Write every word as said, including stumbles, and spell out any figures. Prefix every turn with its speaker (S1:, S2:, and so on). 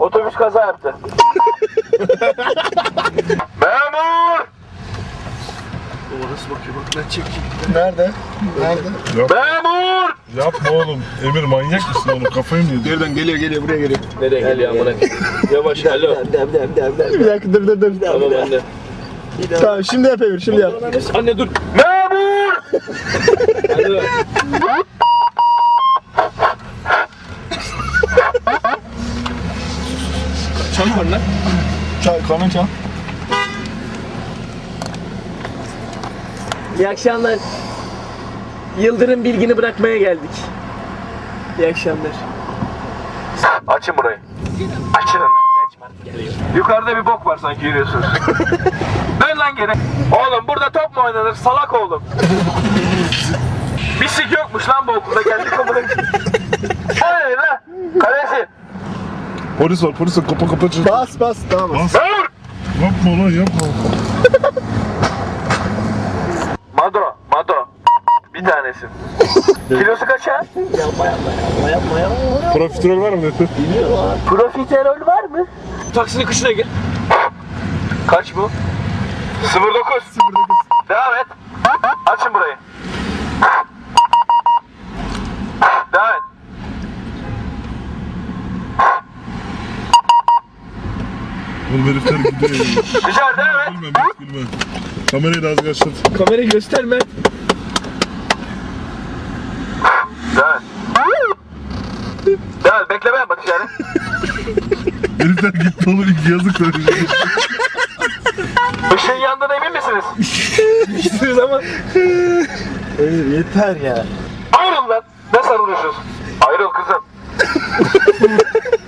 S1: Otobüs kaza yaptı. Memur!
S2: O nasıl bakıyor bak ben çekeyim.
S3: Nerede? Nerede?
S1: Memur!
S4: Yapma oğlum. Emir manyak mısın oğlum? Kafayı mı yedin?
S3: Nereden geliyor geliyor buraya geliyor.
S1: Nereye geliyor amına? Yavaş alo.
S3: Bir dakika dur dur dur.
S1: Tamam anne.
S3: Tamam şimdi yap Emir şimdi yap.
S1: Anne dur. Memur! Hadi.
S2: Çal var lan.
S3: Çal kanun çal.
S5: İyi akşamlar. Yıldırım bilgini bırakmaya geldik. İyi akşamlar.
S1: Açın burayı. Açın lan. Yukarıda bir bok var sanki yürüyorsunuz. Dön lan geri. Oğlum burada top mu oynanır? Salak oğlum. Bisik yokmuş lan bu okulda. Geldik amına. Hayır lan. Kalesi.
S4: Polis var, polis var. Kapa kapa çır.
S3: Bas bas tamam.
S4: Bas.
S1: Memur!
S4: Yapma lan yapma.
S1: Mado. Mado. Bir tanesi. Kilosu kaç ha?
S5: Yapma yapma yapma yapma yapma.
S4: Profiterol var mı Nefer?
S5: Profiterol var mı?
S2: Taksinin kışına gel.
S1: Kaç bu? sıfır dokuz. Devam et. Açın burayı. Devam et.
S4: Oğlum herifler gidiyor ya.
S1: Güzel devam et.
S4: Gülmem, hiç gülmem. Kamerayı da az kaçtır.
S2: Kamerayı gösterme.
S1: Devam et. Devam et. Bekleme yapma dışarı.
S4: Herifler gitti oğlum ilk yazık da.
S1: Işığın yandığına emin misiniz?
S2: Hiçbir zaman.
S3: Emir yeter ya.
S1: Ayrıl lan. Ne sarılıyorsunuz? Ayrıl kızım.